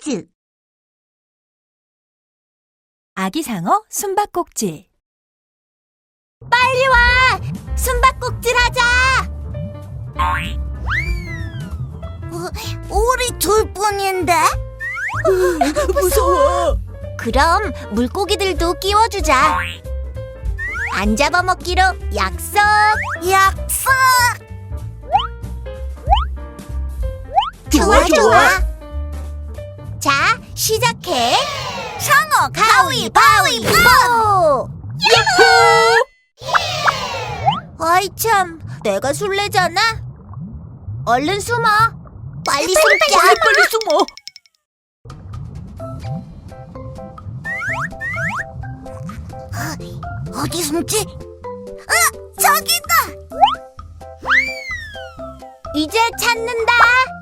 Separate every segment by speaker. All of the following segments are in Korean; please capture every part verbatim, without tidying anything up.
Speaker 1: 퀴즈!
Speaker 2: 아기상어 숨바꼭질.
Speaker 1: 빨리 와! 숨바꼭질 하자! 어, 우리 둘뿐인데?
Speaker 2: 무서워.
Speaker 1: 그럼 물고기들도 끼워주자. 안 잡아먹기로 약속! 약속! 좋아, 좋아. 자, 시작해. 상어 가위바위보! 야호! 아이 참, 내가 술래잖아. 얼른 숨어. 빨리 숨자.
Speaker 2: 빨리 빨리 숨어.
Speaker 1: 어디 숨지? 아, 저기다. 이제 찾는다.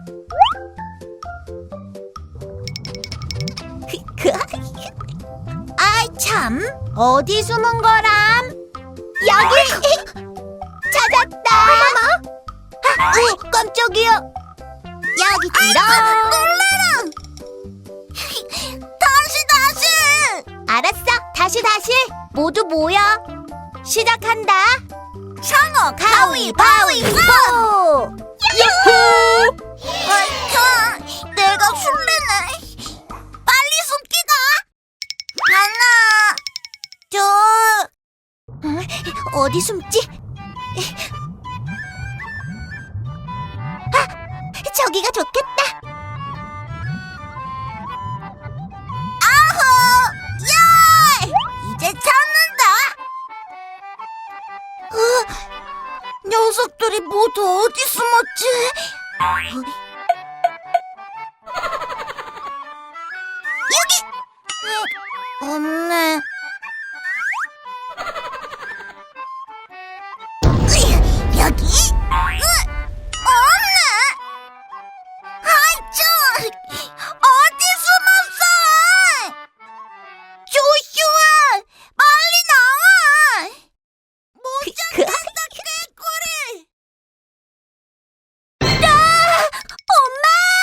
Speaker 1: 아이 참, 어디 숨은 거람? 여기. 찾았다. 아, 어, 깜짝이야. 여기 들어. 놀라라. 다시 다시. 알았어. 다시 다시. 모두 모여. 시작한다. 상어 가위바위보. 야호! 아차, 내가 술래네. 빨리 숨기다. 하나, 둘. 어디 숨지? 아, 저기가 좋겠다. 아호! 예! 이제 찾는다. 어, 녀석들이 모두 어디 숨었지? 어? 여기! 어, 없네. 으이, 여기? 으, 없네. 아이 참, 어디 숨었어? 조슈아, 빨리 나와. 못 찾겠다, 개꼬리. 아, 엄마!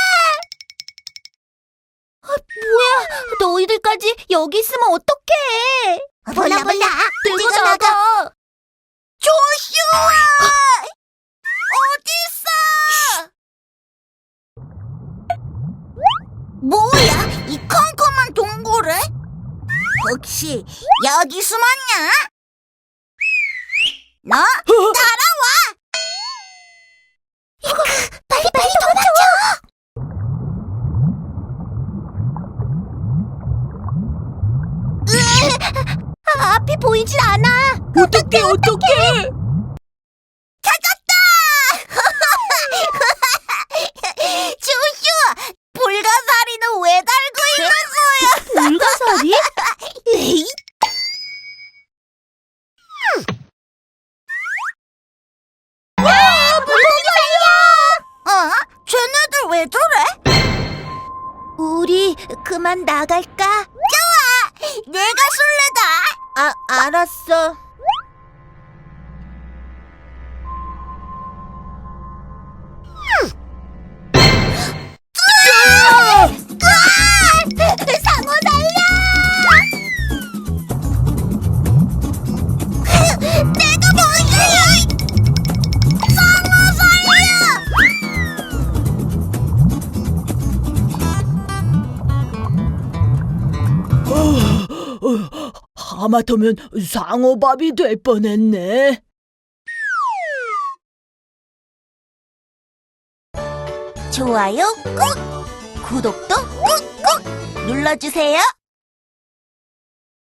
Speaker 1: 아, 뭐야, 너희들까지 여기 있으면 어떡해? 몰라 몰라, 들고 나가. 조슈아! 어딨어? 뭐야, 이 컴컴한 동굴에? 혹시 여기 숨었냐? 너 따라와! 빨리 빨리 도망쳐! 아, 앞이 보이질 않아.
Speaker 2: 어떡해 어떡해.
Speaker 1: 찾았다! 조슈아, 불가사리는 왜 달고 있는 거야?
Speaker 2: 불가사리?
Speaker 1: 에이? 야, 물고기 살려! 어? 쟤네들 왜 저래? 우리 그만 나갈까? 좋아! 내가 술래다! 아, 알았어. 상어 살려! 내가 뭔데? 상어 살려!
Speaker 2: 하마터면 상어밥이 될 뻔했네.
Speaker 1: 좋아요 꾹! 구독도 꾹꾹 눌러주세요.